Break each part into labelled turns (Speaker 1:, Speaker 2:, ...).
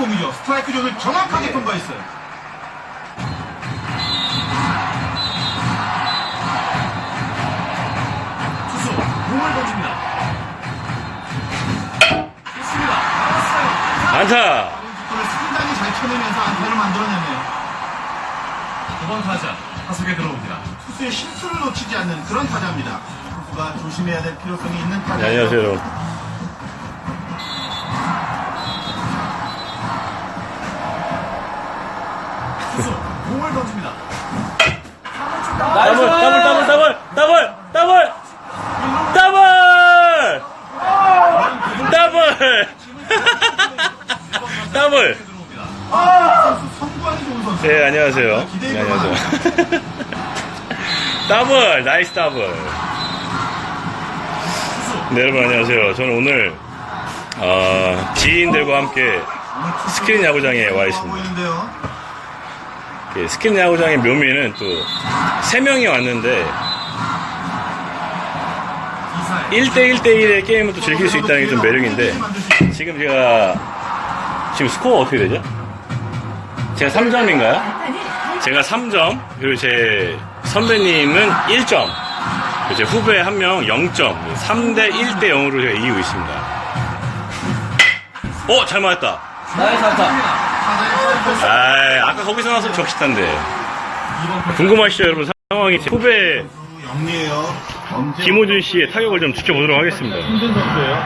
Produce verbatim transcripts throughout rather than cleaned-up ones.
Speaker 1: 공이죠. 스트라이크 존을 정확하게
Speaker 2: 네.
Speaker 1: 통과했어요. 투수 공을 던집니다. 좋습니다. 나왔어요.
Speaker 3: 안타.
Speaker 1: 공을 상당히 잘 쳐내면서 안타를 만들어내네요. 두 번 타자 타석에 들어옵니다. 투수의 실수를 놓치지 않는 그런 타자입니다. 투수가 조심해야 될 필요성이 있는 타자.
Speaker 3: 네, 안녕하세요, 여러분.
Speaker 1: 투수 공을 던집니다.
Speaker 3: 더블, 더블, 더블, 더블, 더블, 더블, 더블, 더블, 더블.
Speaker 1: 선수 선구안이 좋은 선수.
Speaker 3: 네, 안녕하세요.
Speaker 1: 기대해
Speaker 3: 네, 안녕하세요. 더블, 나이스 더블. 네, 여러분 안녕하세요. 저는 오늘 어, 지인들과 함께 스크린 야구장에 와 있습니다.
Speaker 1: 보이는데요.
Speaker 3: 예, 스크린 야구장의 묘미는 또 세 명이 왔는데 일 대 일 대 일의 게임을 또 즐길 수 있다는 게 좀 매력인데, 지금 제가 지금 스코어 어떻게 되죠? 제가 삼 점인가요? 제가 삼 점, 그리고 제 선배님은 일 점, 그리고 제 후배 한 명 영 점, 삼 대 일 대 영으로 제가 이기고 있습니다. 어, 잘 맞았다.
Speaker 2: 나이스 안타.
Speaker 3: 아, 아까 거기서 나왔으면 적시탄데. 궁금하시죠, 여러분? 상황이 제 후배
Speaker 1: 영리해요.
Speaker 3: 김호준 씨의 타격을 좀 지켜보도록 하겠습니다.
Speaker 1: 힘든 선수예요.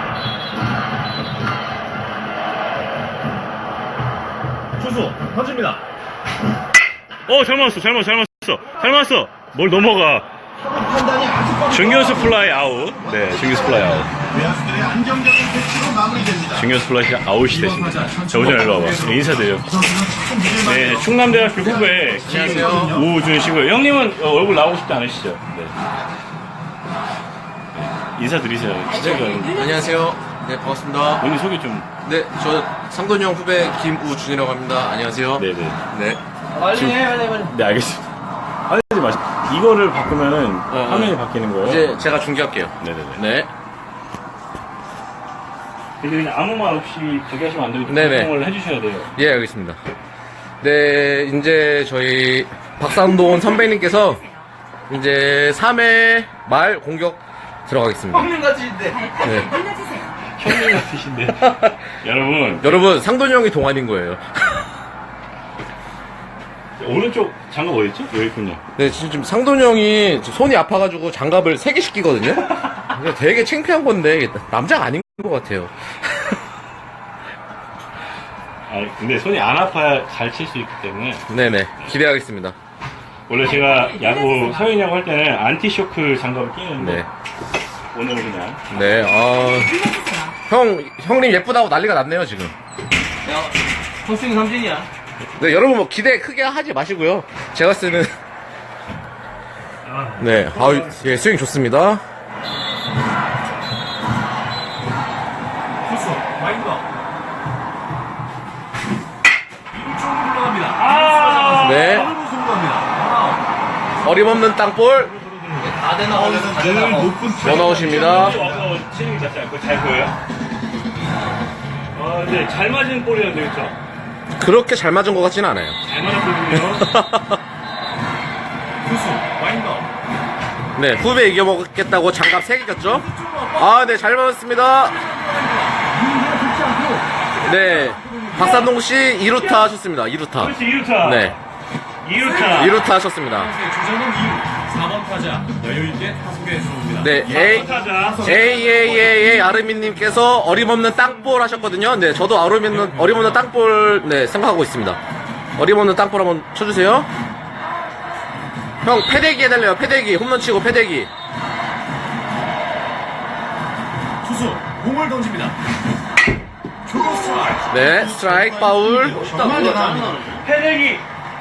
Speaker 1: 투수 던집니다.
Speaker 3: 어, 잘 맞았어, 잘 맞았어, 잘 맞았어, 잘 맞았어. 뭘 넘어가.
Speaker 1: 판단이 아주 빠르다.
Speaker 3: 중견수 플라이 아웃. 네, 중견수 플라이 아웃.
Speaker 1: 외야수들의 안정적인 배치로 마무리됩니다.
Speaker 3: 중견수 플라이 아웃이 됐습니다. 자, 오전 일로 와봐. 네, 인사드려요. 네, 충남대학교 후배 김우준 씨고요. 형님은 어, 얼굴 나오고 싶지 않으시죠? 네. 네, 인사드리세요. 시청자
Speaker 2: 안녕하세요. 네, 반갑습니다.
Speaker 3: 본인 소개 좀.
Speaker 2: 네, 저 상돈이 형 후배 김우준이라고 합니다. 안녕하세요.
Speaker 3: 네네.
Speaker 2: 네.
Speaker 4: 빨리 해, 빨리, 빨리.
Speaker 3: 네, 알겠습니다. 하지 마시. 이거를 바꾸면은
Speaker 2: 어,
Speaker 3: 화면이 바뀌는 거예요.
Speaker 2: 이제 제가 중계할게요.
Speaker 3: 네네네.
Speaker 2: 네.
Speaker 3: 그래서 그냥 아무 말 없이 저기하시면 안 되고 좀
Speaker 2: 네네.
Speaker 3: 설명을 해주셔야 돼요.
Speaker 2: 예, 알겠습니다. 네, 이제 저희 박상돈 선배님께서 이제 삼 회 말 공격 들어가겠습니다.
Speaker 4: 형님 같이인데.
Speaker 2: 네.
Speaker 3: 형님 같으신데. 여러분,
Speaker 2: 여러분, 상돈이 형이 동안인 거예요.
Speaker 3: 오른쪽 장갑 어딨죠? 여기 있군요.
Speaker 2: 네, 지금 상돈이 형이 손이 아파가지고 장갑을 세 개 씻기거든요? 되게 창피한 건데, 남자가 아닌 것 같아요.
Speaker 3: 아, 근데 손이 안 아파야 잘 칠 수 있기 때문에.
Speaker 2: 네네, 기대하겠습니다.
Speaker 3: 원래 제가 야구, 사회인 야구 할 때는 안티쇼크 장갑을 끼는데.
Speaker 2: 네.
Speaker 3: 오늘은 그냥.
Speaker 2: 네, 어, 형, 형님 예쁘다고 난리가 났네요, 지금.
Speaker 4: 야, 헛스윙 삼진이야.
Speaker 2: 네, 여러분 뭐 기대 크게 하지 마시고요. 제가 쓰는. 네, 아우, 예, 스윙 좋습니다.
Speaker 1: 투수 마인드가 이쪽으로 올라갑니다.
Speaker 3: 아!
Speaker 2: 네,
Speaker 1: 더블로 승부합니다.
Speaker 2: 어림없는 땅볼,
Speaker 4: 다 되나, 어디서 다
Speaker 1: 늘
Speaker 4: 되나.
Speaker 1: 높은
Speaker 2: 원아웃입니다.
Speaker 3: 와서 치는 게 낫지 않고 잘 보여요? 아, 근데 잘 맞은 볼이었는데, 그쵸?
Speaker 2: 그렇게 잘 맞은 것 같지는 않아요.
Speaker 3: 잘 맞았거든요.
Speaker 1: 투수 마인드가
Speaker 2: 네, 후배 이겨먹겠다고 장갑 세 개 꼈죠? 아, 네, 잘 맞았습니다. 네, 박산동 씨 이 루타 하셨습니다. 이 루타.
Speaker 3: 그렇지, 이 루타.
Speaker 2: 네,
Speaker 3: 이 루타.
Speaker 2: 이 루타 하셨습니다.
Speaker 1: 주자는 이 루 사 번 타자 여유있게 타석에 들어옵니다.
Speaker 2: 네, 에이,
Speaker 3: 타자.
Speaker 2: 에이에이에이 아르미님께서 어림없는 땅볼 하셨거든요. 네, 저도 어림없는, 어림없는 땅볼, 네, 생각하고 있습니다. 어림없는 땅볼 한번 쳐주세요. 형, 패대기 해달래요. 패대기. 홈런 치고 패대기.
Speaker 1: 투수 공을 던집니다. 초구 스트라이크.
Speaker 2: 네, 스트라이크, 파울.
Speaker 1: 정말 대단합니다.
Speaker 3: 패대기.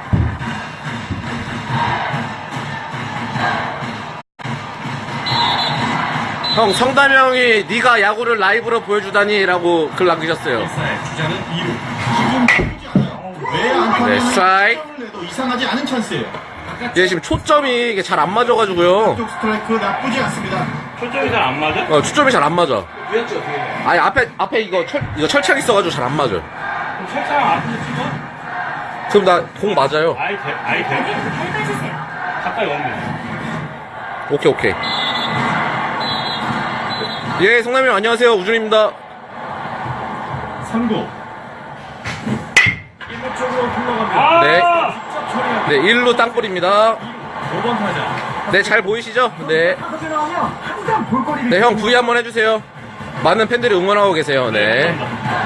Speaker 2: 형, 성담형이 네가 야구를 라이브로 보여주다니라고 글 남기셨어요.
Speaker 1: 주자는 이 루. 지금 나쁘지 않아요. 왜안 타면
Speaker 2: 네, 스트라이크.
Speaker 1: 내도 이상하지 않은 찬스예요.
Speaker 2: 예, 지금 초점이 이게 잘 안 맞아가지고요.
Speaker 1: 쪽 스트라이크 나쁘지 않습니다.
Speaker 3: 초점이 잘 안 맞아?
Speaker 2: 어, 초점이 잘 안 맞아. 아니, 앞에, 앞에 이거 철, 이거 철창 있어가지고 잘 안 맞아.
Speaker 3: 책상 앞으로 찍어?
Speaker 2: 그럼 나 공 맞아요.
Speaker 3: 아이, 돼, 아이, 돼.
Speaker 5: 밟아주세요.
Speaker 3: 가까이 오면 돼.
Speaker 2: 오케이, 오케이. 예, 성남이 형 안녕하세요. 우준입니다.
Speaker 1: 삼 구.
Speaker 4: 일루 쪽으로 흘러갑니다.
Speaker 3: 아!
Speaker 2: 네.
Speaker 4: 직접 처리합니다.
Speaker 2: 네, 일 루 땅볼입니다.
Speaker 4: 오 번 타자.
Speaker 2: 네, 잘 보이시죠? 네. 네, 형 부위 한번 해주세요. 많은 팬들이 응원하고 계세요. 네.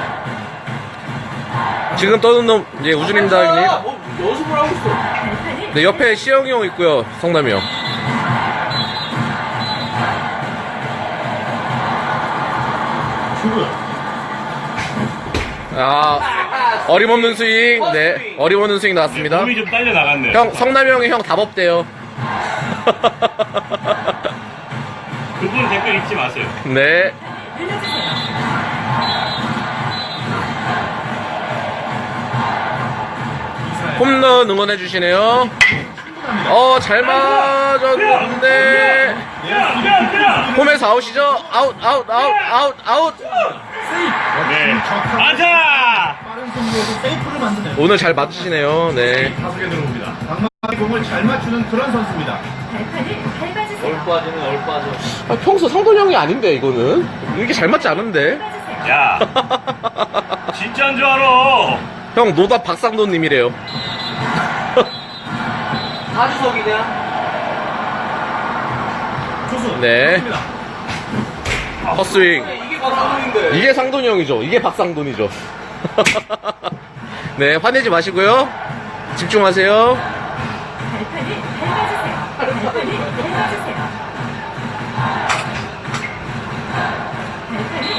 Speaker 2: 지금 떠는 놈, 예, 우준입니다, 형님.
Speaker 4: 아, 뭐 연습을 하고 있어.
Speaker 5: 발판을
Speaker 2: 네, 옆에 시영이 형 있고요. 성남이 형.
Speaker 1: 주구.
Speaker 2: 아, 어림없는 스윙. 네, 어림없는 스윙 나왔습니다.
Speaker 3: 몸이 좀 딸려 나갔네.
Speaker 2: 형, 성남이 형이 형 답 없대요.
Speaker 3: 그분 댓글 읽지 마세요.
Speaker 2: 네.
Speaker 5: 눌러주세요.
Speaker 2: 홈런 응원해주시네요. 어, 잘 맞았는데. 홈에서 아웃이죠? 아웃, 아웃, 아웃, 아웃, 아웃.
Speaker 3: 네. 아자!
Speaker 1: 빠른 승부에서 세이프를 만드네요.
Speaker 2: 오늘 잘 맞으시네요. 네.
Speaker 1: 타석에 들어옵니다. 방망이 공을 잘 맞추는 그런 선수입니다.
Speaker 5: 발판을 밟아주세요.
Speaker 4: 얼빠지는 얼빠져.
Speaker 2: 아, 평소 상돈 형이 아닌데, 이거는. 이게 잘 맞지 않은데.
Speaker 5: 밟아주세요.
Speaker 3: 야! 진짜인 줄 알아!
Speaker 2: 형, 노답 박상돈님이래요.
Speaker 4: 하주석이냐?
Speaker 1: 투수.
Speaker 2: 네. 헛스윙.
Speaker 4: 이게 박상훈인데.
Speaker 2: 이게 상돈이 형이죠. 이게 박상돈이죠. 네, 화내지 마시고요. 집중하세요.
Speaker 5: 발판을 밟아주세요. 발판을 밟아주세요. 발판을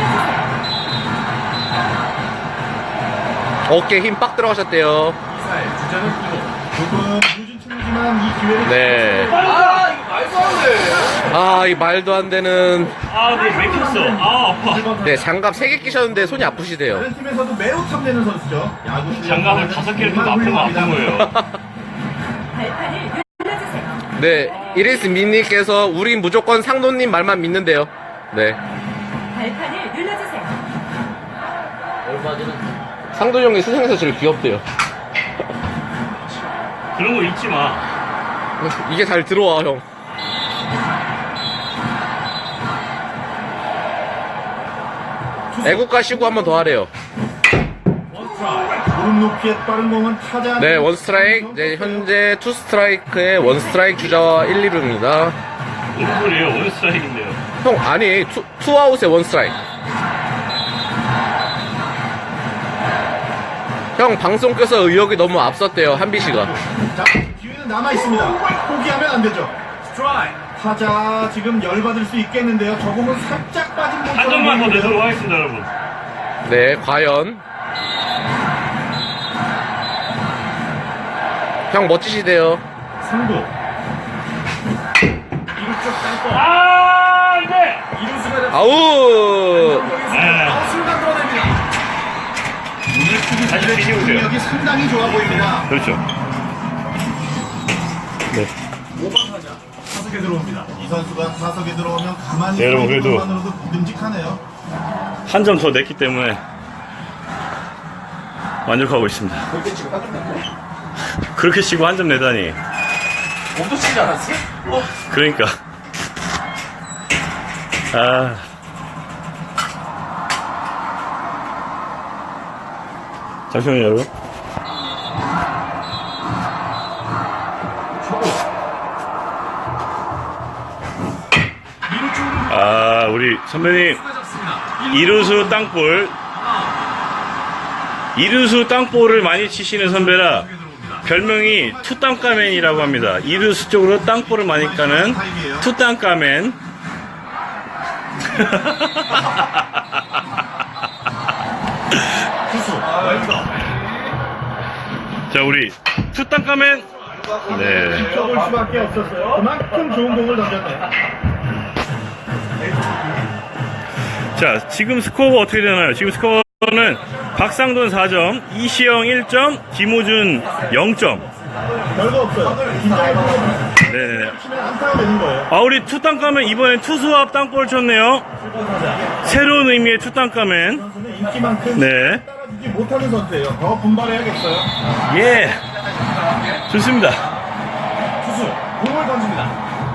Speaker 5: 밟아주세요.
Speaker 2: 어깨 힘 빡 들어가셨대요.
Speaker 1: 이사의 주자는 이 루. 조금 늦은 춤이지만 이 기회를
Speaker 2: 네.
Speaker 4: 아, 이거 말도 안 돼.
Speaker 2: 아, 이 말도 안 되는.
Speaker 3: 아, 네, 맥혔어. 아, 아파.
Speaker 2: 네, 장갑 세 개 끼셨는데 손이 아프시대요.
Speaker 1: 다른 팀에서도 매우 탐내는 선수죠. 야구 실력
Speaker 3: 장갑을 다섯 개를 껴도 아프면 아픈 거예요.
Speaker 5: 발판을 눌러주세요.
Speaker 2: 네, 이리스 민님께서 우린 무조건 상돈님 말만 믿는데요. 네.
Speaker 5: 발판을 눌러주세요.
Speaker 4: 얼빠지는.
Speaker 2: 상돈 형이 세상에서 제일 귀엽대요.
Speaker 3: 그런 거 잊지 마.
Speaker 2: 이게 잘 들어와, 형. 애국가 시구 한 번 더 하래요.
Speaker 1: 무릎 높이의 빠른 공은 타자.
Speaker 2: 네, 원 스트라이크. 네, 현재 투 스트라이크에 원 스트라이크 주자와 일, 이 루입니다.
Speaker 3: 무슨 소리예요? 원 스트라이크인데요.
Speaker 2: 형, 아니, 투, 투 아웃에 원 스트라이크. 형, 방송 껴서 의욕이 너무 앞섰대요, 한비 씨가.
Speaker 1: 자, 기회는 남아 있습니다. 포기하면 안 되죠.
Speaker 4: 스트라이크.
Speaker 1: 타자 지금 열받을 수 있겠는데요. 저 공은 살짝 빠진 공처럼
Speaker 3: 한 점만 더
Speaker 1: 보이는데요.
Speaker 3: 내도록 하겠습니다, 여러분.
Speaker 2: 네, 과연. 형, 멋지시대요.
Speaker 1: 삼 구. 이루 쪽 땅볼.
Speaker 3: 아, 안 돼!
Speaker 4: 이루수가 잡.
Speaker 2: 아우!
Speaker 3: 네.
Speaker 4: 아웃 순간 끌어냅니다.
Speaker 1: 오늘 투기
Speaker 3: 다시 뒤집으세요.
Speaker 1: 능력이 상당히 좋아 보입니다.
Speaker 3: 그렇죠. 네.
Speaker 1: 오 번 타자 타석에 들어옵니다. 이 선수가 타석에 들어오면 가만히
Speaker 3: 네, 여러분,
Speaker 1: 서 있는
Speaker 3: 그래도-
Speaker 1: 것만으로도 듬직하네요.
Speaker 3: 한 점 더 냈기 때문에 만족하고 있습니다.
Speaker 4: 그렇게 치고 따뜻한데.
Speaker 3: 그렇게 치고 한 점 내다니.
Speaker 4: 몸도 치지 않았어? 어.
Speaker 3: 그러니까. 아. 잠시만요, 여러분. 아, 우리 선배님. 이루수 땅볼. 이루수 땅볼을 많이 치시는 선배라 별명이 투땅까맨이라고 합니다. 이루수 쪽으로 땅볼을 많이 까는 투땅까맨.
Speaker 1: 투수 왼쪽
Speaker 3: 자, 우리 투땅까맨. 네.
Speaker 1: 쳐볼 수밖에 없었어요. 그만큼 좋은 공을 던졌네요.
Speaker 3: 자, 지금 스코어가 어떻게 되나요? 지금 스코어는 박상돈 사 점, 이시영 일 점, 김호준 영 점.
Speaker 1: 별거 없어요. 긴장이 풀려
Speaker 3: 네네네.
Speaker 1: 치면 안타가 되는 거예요.
Speaker 3: 아, 우리 투땅까맨 이번엔 투수합 땅볼 쳤네요. 새로운 의미의 투땅까맨.
Speaker 1: 선수는 인기만큼
Speaker 3: 네.
Speaker 1: 따라주지 이게 못하는 선수예요. 더 분발해야겠어요.
Speaker 3: 예. 좋습니다.
Speaker 4: 투수 공을 던집니다.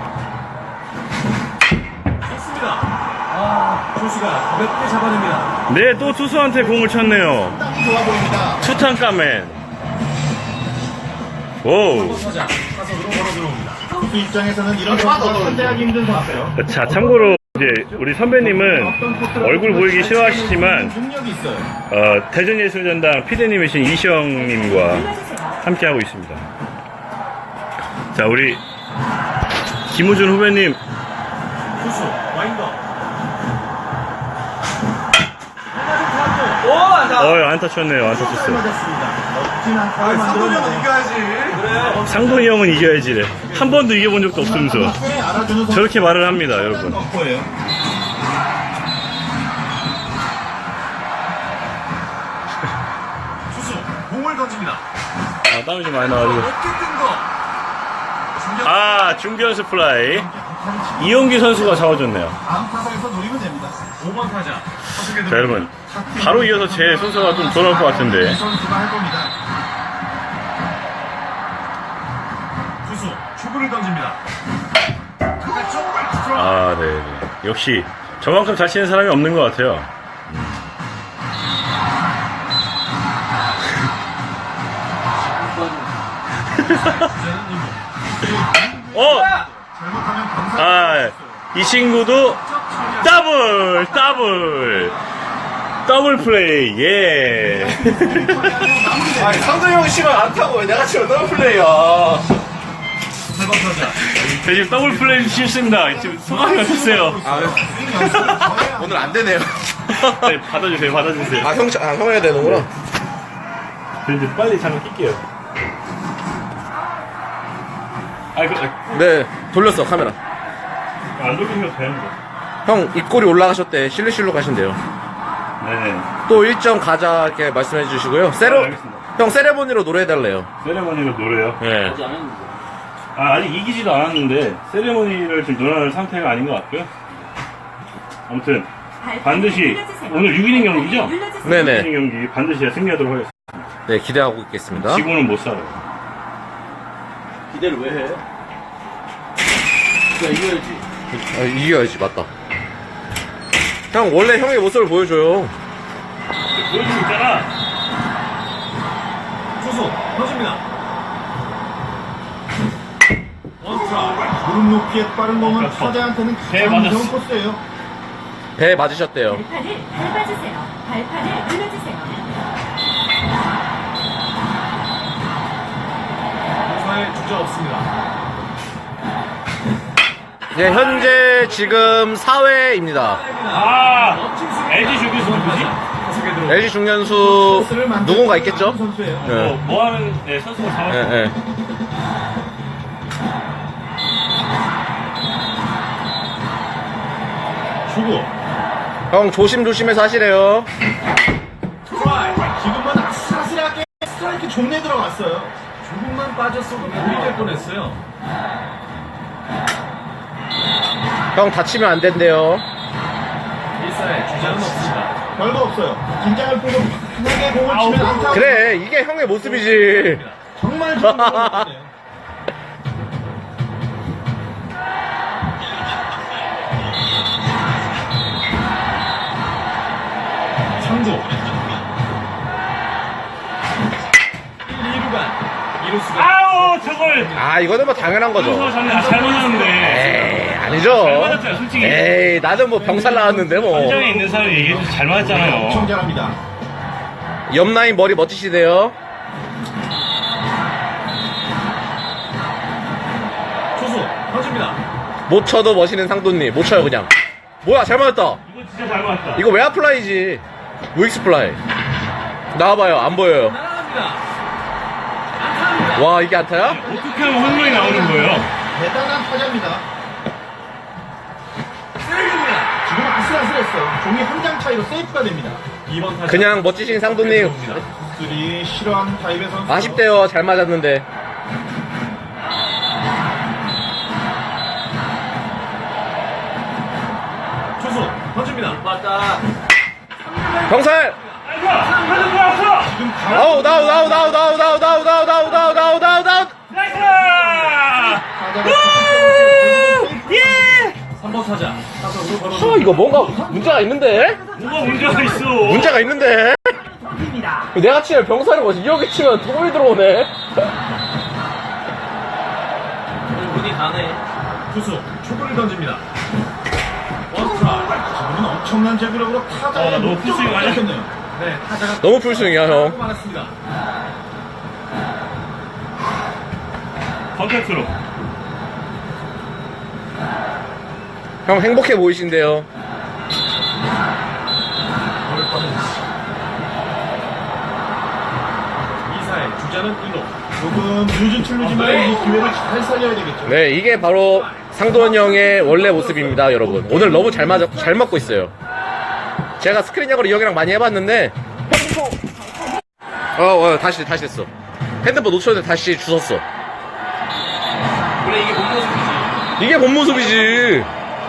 Speaker 4: 좋습니다. 아, 투수가 가볍게 잡아냅니다.
Speaker 3: 네, 또 투수한테 공을 쳤네요.
Speaker 1: 상당히 좋아 보입니다.
Speaker 3: 투탕카멘. 오.
Speaker 4: 타자 타석으로 걸어 들어옵니다.
Speaker 1: 투수 입장에서는 이런 선수가 상대하기 힘든 선수예요.
Speaker 3: 자, 참고로 이제 우리 선배님은 얼굴 보이기 싫어하시지만
Speaker 1: 능력이 있어요.
Speaker 3: 어, 대전예술전당 피디님이신 이시영님과
Speaker 5: 눌러주세요.
Speaker 3: 함께하고 있습니다. 자, 우리 김우준 후배님.
Speaker 4: 투수 와인더. 오, 안타.
Speaker 3: 어, 안타 쳤네요. 안타
Speaker 1: 잘
Speaker 3: 쳤어요.
Speaker 1: 맞았습니다. 멋진 안타를
Speaker 4: 상도형은
Speaker 1: 만들었네요.
Speaker 4: 이겨야지. 그래.
Speaker 3: 상돈이 형은 이겨야지래. 한 번도 이겨본 적도 없으면서
Speaker 1: 꽤 알아주는 선수.
Speaker 3: 저렇게 말을 합니다, 여러분.
Speaker 1: 덕후예요.
Speaker 4: 투수 공을 던집니다.
Speaker 3: 아, 땀이 좀 많이 나가지고.
Speaker 4: 어깨 뜬 거. 중견.
Speaker 3: 아, 중견수 플라이. 이용기 선수가 잡아줬네요.
Speaker 1: 다음 타석에서 노리면 됩니다.
Speaker 4: 오 번 타자 타석에
Speaker 3: 자,
Speaker 4: 들어옵니다.
Speaker 3: 여러분. 바로 이어서 제 순서가 좀 돌아올 것 같은데.
Speaker 1: 이 선수가 할 겁니다.
Speaker 4: 투수 초구를 던집니다. 바깥쪽 스트라이크.
Speaker 3: 아, 네, 네. 역시 저만큼 잘 치는 사람이 없는 것 같아요. 어!
Speaker 1: 잘못하면 경사.
Speaker 3: 아, 이 친구도 더블, 더블, 더블 플레이, 예.
Speaker 4: 아니 상도 형이 치면 안 타고 왜 내가 치면 더블 플레이야. 세 번 타자.
Speaker 3: 저 지금 더블 플레이 실수입니다. 지금 소감이 어떠세요?
Speaker 2: 오늘 안 되네요.
Speaker 3: 네, 받아주세요, 받아주세요.
Speaker 2: 아, 형, 아, 형 해야 되는구나.
Speaker 3: 저 이제 빨리 잠깐 낄게요. 아, 그,
Speaker 2: 네, 돌렸어, 카메라.
Speaker 3: 안 돌리면 되는데.
Speaker 2: 형, 입꼬리 올라가셨대. 실루실로 가신대요.
Speaker 3: 네네.
Speaker 2: 또 일정 가자, 이렇게 말씀해 주시고요. 세레,
Speaker 3: 아, 알겠습니다.
Speaker 2: 형, 세레모니로 노래해달래요.
Speaker 3: 세레머니로 노래요?
Speaker 2: 예.
Speaker 3: 아, 아직 이기지도 않았는데, 세레머니를 지금 논할 상태가 아닌 것 같고요. 아무튼, 반드시,
Speaker 5: 눌러주세요.
Speaker 3: 오늘 육 이닝 경기죠?
Speaker 5: 눌러주세요.
Speaker 2: 네네.
Speaker 3: 육 이닝 경기 반드시 승리하도록 하겠습니다.
Speaker 2: 네, 기대하고 있겠습니다.
Speaker 3: 지고는 못 살아요.
Speaker 4: 기대를 왜 해? 그냥 이겨야지.
Speaker 2: 아, 이겨야지, 맞다. 형, 원래 형의 모습을 보여줘요.
Speaker 3: 보여주고 있잖아.
Speaker 4: 투수 던집니다. 원 스트라이크.
Speaker 1: 무릎 높이의 빠른 공은 타자한테는
Speaker 3: 네,
Speaker 1: 가장
Speaker 3: 맞았어.
Speaker 1: 무서운 코스예요.
Speaker 2: 배 맞으셨대요.
Speaker 5: 발판을 밟아주세요. 발판을 눌러주세요.
Speaker 4: 타자에 주자 없습니다.
Speaker 2: 네, 현재 지금 사 회입니다.
Speaker 3: 아, 엘지 주기수 누구지?
Speaker 4: 타석에 들어.
Speaker 2: 엘지 중년수
Speaker 1: 코스를 만드는
Speaker 2: 누군가 있겠죠?
Speaker 1: 선수예요.
Speaker 3: 뭐,
Speaker 2: 네.
Speaker 3: 뭐 하는, 네, 선수가 잡았어.
Speaker 2: 예, 예.
Speaker 1: 주고
Speaker 2: 형, 조심조심해서 하시래요.
Speaker 1: 스트라이크. 지금은 아슬아슬하게 스트라이크 종내 들어갔어요.
Speaker 4: 조금만 빠졌어도 골이 될 뻔했어요.
Speaker 2: 형, 다치면 안 된대요.
Speaker 4: 일사에 주자는 없습니다.
Speaker 1: 별거 없어요. 긴장을 풀고 편하게 공을 치면 안타.
Speaker 2: 그래, 이게 형의 모습이지.
Speaker 1: 정말 좋은 공이네요.
Speaker 4: 상조. 일, 이루간. 이루수가.
Speaker 3: 아우, 저걸!
Speaker 2: 아, 이거는 뭐 당연한 거죠.
Speaker 3: 선수가 잡네. 아, 잘 맞았는데.
Speaker 2: 에이, 아니죠.
Speaker 3: 잘 맞았잖아, 솔직히.
Speaker 2: 에이, 나는 뭐 병살 나왔는데 뭐.
Speaker 3: 현장에 있는 사람이 얘기해도 잘 맞았잖아요.
Speaker 1: 엄청 잘합니다.
Speaker 2: 옆라인 머리 멋지시대요.
Speaker 4: 투수 던집니다.
Speaker 2: 못 쳐도 멋있는 상도님. 못 쳐요, 그냥. 뭐야, 잘 맞았다.
Speaker 3: 이거 진짜 잘 맞았다.
Speaker 2: 이거 외야 플라이지. 우익스 플라이. 나와봐요, 안 보여요.
Speaker 4: 날아갑니다. 안타입니다.
Speaker 2: 와, 이게 안타야?
Speaker 3: 어떻게 하면 홈런이 나오는 거예요?
Speaker 1: 대단한 타자입니다.
Speaker 4: 세이브입니다.
Speaker 1: 지금 아슬아슬했어요. 종이 한 장 차이로 세이프가 됩니다.
Speaker 4: 이 번 타자.
Speaker 2: 그냥 멋지신 상도님.
Speaker 1: 들이 싫어하는 타입의 선수.
Speaker 2: 아쉽대요, 잘 맞았는데.
Speaker 4: 투수 던집니다. 맞다.
Speaker 2: 병살! 아우, 나우, 나우, 나우, 나우, 나우, 나우, 나우, 나우, 나우, 나우, 나우, 나우.
Speaker 3: 나이스!
Speaker 4: 삼 번 타자. 타석으로 걸어.
Speaker 2: 아, 이거 뭔가 문제가 있는데?
Speaker 3: 뭐가 문제가 있어?
Speaker 2: 문제가 있는데? 내가 치면 병사는 거지. 이렇게 치면 도움이 들어오네.
Speaker 4: 운이 가네. 투수 초구를 던집니다. 원스트라이크.
Speaker 1: 지금은 엄청난 제구력으로 타자의
Speaker 3: 어, 나 너무
Speaker 1: 목적을
Speaker 3: 풀스윙 아니야?
Speaker 1: 뺏겼네요.
Speaker 4: 네, 타자가
Speaker 2: 너무 풀스윙이야, 형.
Speaker 4: 많았습니다.
Speaker 3: 컨택트로.
Speaker 2: 형 행복해 보이신데요.
Speaker 4: 이사의 주자는 일 루.
Speaker 1: 조금 늦은 출루지만 이 기회를 잘 살려야 되겠죠.
Speaker 2: 네, 이게 바로 상도원 형의 원래 모습입니다, 여러분. 오늘 너무 잘 맞아, 잘 맞고 있어요. 제가 스크린 야구를 이 형이랑 많이 해봤는데, 어, 어, 다시, 다시 됐어. 핸드폰 놓쳤는데 다시 주웠어.
Speaker 4: 원래 이게 본 모습이지.
Speaker 2: 이게 본 모습이지.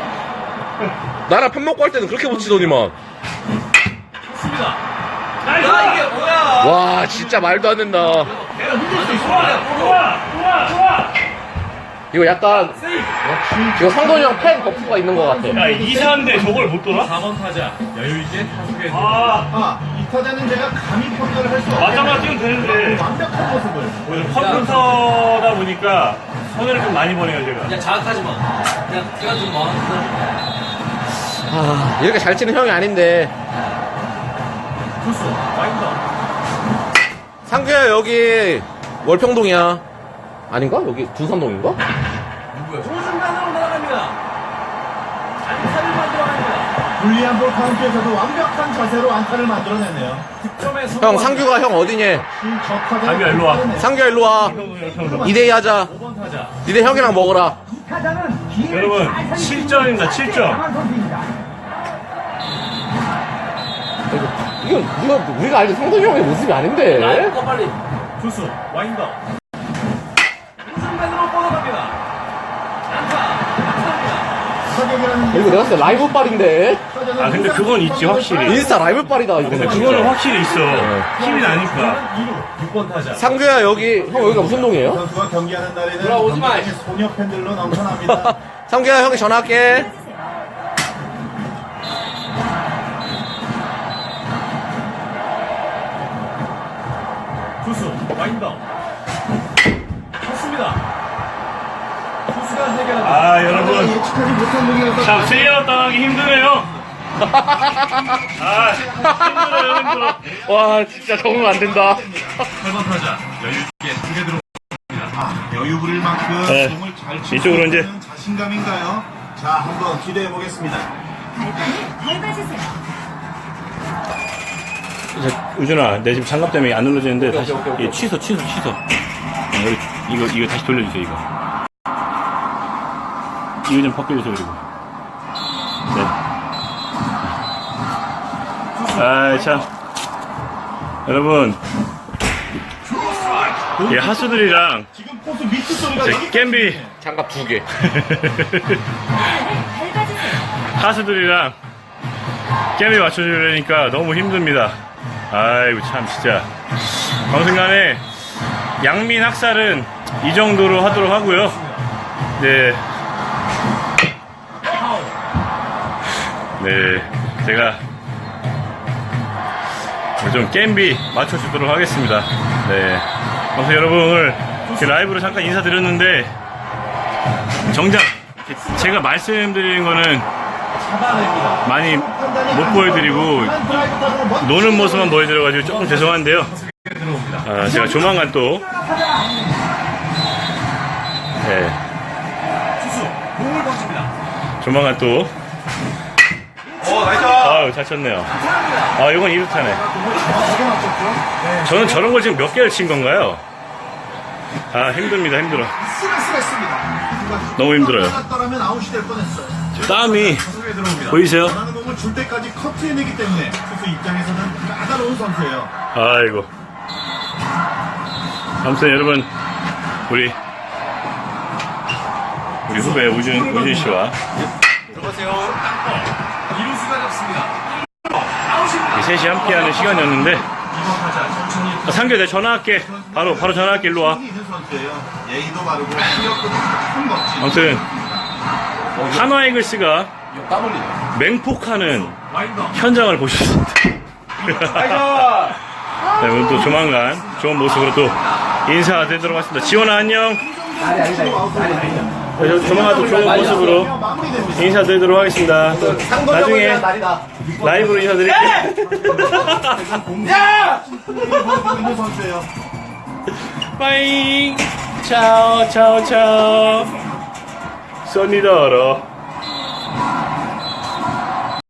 Speaker 2: 나랑 편 먹고 할 때는 그렇게 못 치더니만.
Speaker 4: 좋습니다. 나 이게 뭐야?
Speaker 2: 와, 진짜 말도 안 된다.
Speaker 4: 내가 흔들 수 있어. 좋아, 좋아, 좋아.
Speaker 2: 이거 약간, 이거 상도원 형 팬 버프가 있는 것 같아.
Speaker 3: 야, 이사인데 저걸 못 돌아?
Speaker 4: 사 번 타자 여유있게 타석에
Speaker 3: 아,
Speaker 1: 아, 이 타자는 제가 감히 평가를 할 수 없겠네요.
Speaker 3: 맞아만 뛰면 되는데.
Speaker 1: 완벽한 모습을.
Speaker 3: 오늘 컴퓨터다 보니까 손해를 좀 많이 보네요, 제가.
Speaker 4: 야 자극하지 마. 그냥 제가 좀 뭐.
Speaker 2: 아, 이렇게 잘 치는 형이 아닌데.
Speaker 4: 투수 와인더.
Speaker 2: 상규야, 여기 월평동이야. 아닌가? 여기 둔산동인가?
Speaker 4: 누구야? 조준단으로 날아갑니다. 안타를 만들어냅니다.
Speaker 1: 불리한 볼 카운트에서도 완벽한 자세로 안타를 만들어내네요.
Speaker 4: 득점에 성공.
Speaker 2: 형, 상규가 형 어디냐?
Speaker 3: 상규야, 일로 와.
Speaker 2: 상규야, 일로 와. 이 대 이 하자.
Speaker 4: 오 번 타자.
Speaker 2: 니네 형이랑 먹어라.
Speaker 3: 여러분, 칠 점입니다, 칠 점.
Speaker 2: 이거, 이거, 우리가 알던 상도원 형의 모습이 아닌데?
Speaker 4: 꺼 빨리. 투수 와인더. 조준단으로 뻗어갑니다. 안타. 안타입니다.
Speaker 2: 이거 내가 봤을 때 라이브 빨인데?
Speaker 3: 아, 근데 그건 있지, 확실히.
Speaker 2: 인스타 라이브 빨이다, 이거.
Speaker 3: 근데 그거는 확실히 있어. 힘이 나니까.
Speaker 4: 이 루 육 번 타자.
Speaker 2: 상규야, 여기, 형, 여기가 무슨 동이에요?
Speaker 1: 선수가 경기하는 날에는
Speaker 4: 돌아오지 마.
Speaker 1: 경기장에 소녀 팬들로 넘쳐납니다.
Speaker 2: 상규야, 형이 전화할게.
Speaker 4: 투수 와인더. 좋습니다. 투수가 해결합니다.
Speaker 3: 아, 여러분.
Speaker 1: 예측하지 못한 공이어서
Speaker 3: 참, 세이아웃 당하기 힘드네요. 아, 힘들어요, 힘들어.
Speaker 2: 와, 진짜 적응 안 된다.
Speaker 1: 팔 번 타자 여유있게 두개 들어옵니다. 아, 여유 부릴 만큼
Speaker 3: 네.
Speaker 1: 공을 잘 치고
Speaker 3: 이쪽으로 이제.
Speaker 1: 있는 자신감인가요? 자, 한번 기대해 보겠습니다.
Speaker 5: 발판을 밟아주세요.
Speaker 3: 우준아, 내 지금 장갑 때문에 안 눌러지는데 다시 예, 취소, 취소, 취소. 어, 여기, 이거 이거 다시 돌려주세요, 이거. 이거 좀 바꿔주세요, 그리고. 네. 아, 참. 여러분, 이 하수들이랑
Speaker 1: 지금 포수 미트 소리가
Speaker 3: 제
Speaker 1: 여기까지
Speaker 3: 겜비
Speaker 2: 장갑 두 개.
Speaker 5: 발판을 밟아주세요.
Speaker 3: 하수들이랑 겜비 맞춰주려니까 너무 힘듭니다. 아이고 참 진짜 방송간에 양민 학살은 이 정도로 하도록 하고요. 네, 네 제가 좀 겜비 맞춰주도록 하겠습니다. 네, 그래서 여러분 오늘 이렇게 라이브로 잠깐 인사드렸는데 정작 제가 말씀드리는 거는 많이 못 보여드리고 노는 모습만 보여드려가지고 조금 죄송한데요. 아, 제가 조만간 또 네,
Speaker 4: 투수 공을 던집니다.
Speaker 3: 조만간 또
Speaker 4: 오 나이스.
Speaker 3: 아유 잘 쳤네요. 아 이건 이루타네. 저는 저런 걸 지금 몇 개를 친 건가요? 아 힘듭니다, 힘들어.
Speaker 1: 쓰레쓰레습니다.
Speaker 3: 너무 힘들어요.
Speaker 1: 따라면 아웃이 될 뻔했어요.
Speaker 3: 땀이
Speaker 1: 타석에 들어옵니다.
Speaker 3: 보이세요?
Speaker 1: 원하는 공을 줄 때까지 커트해내기 때문에 투수 입장에서는 까다로운 선수예요.
Speaker 3: 아이고. 아무튼 여러분 우리 우리 후배 우준 우준 씨와
Speaker 4: 들어보세요. 이루수가 잡습니다. 아웃입니다.
Speaker 3: 셋이 함께하는 시간이었는데
Speaker 1: 이번 타자 천천히
Speaker 3: 아, 상규 내가 전화할게. 바로 바로 전화할게. 일로 와.
Speaker 1: 있는 선수예요. 예의도 바르고 실력도 큰 멋진.
Speaker 3: 아무튼 한화 이글스가
Speaker 4: 까불리네.
Speaker 3: 맹폭하는 현장을 보셨습니다. 네, 오늘 또 조만간 좋은 모습으로 또 인사드리도록 하겠습니다. 지원아 안녕. 네, 저- 조만간 또 좋은 모습으로
Speaker 1: 마무리됩니다.
Speaker 3: 인사드리도록 하겠습니다. 또 나중에
Speaker 4: 날이다.
Speaker 3: 라이브로 인사드릴게요.
Speaker 4: 야!
Speaker 1: 있는 선수예요.
Speaker 3: 빠잉. 차오 차오 차오. 써니더러.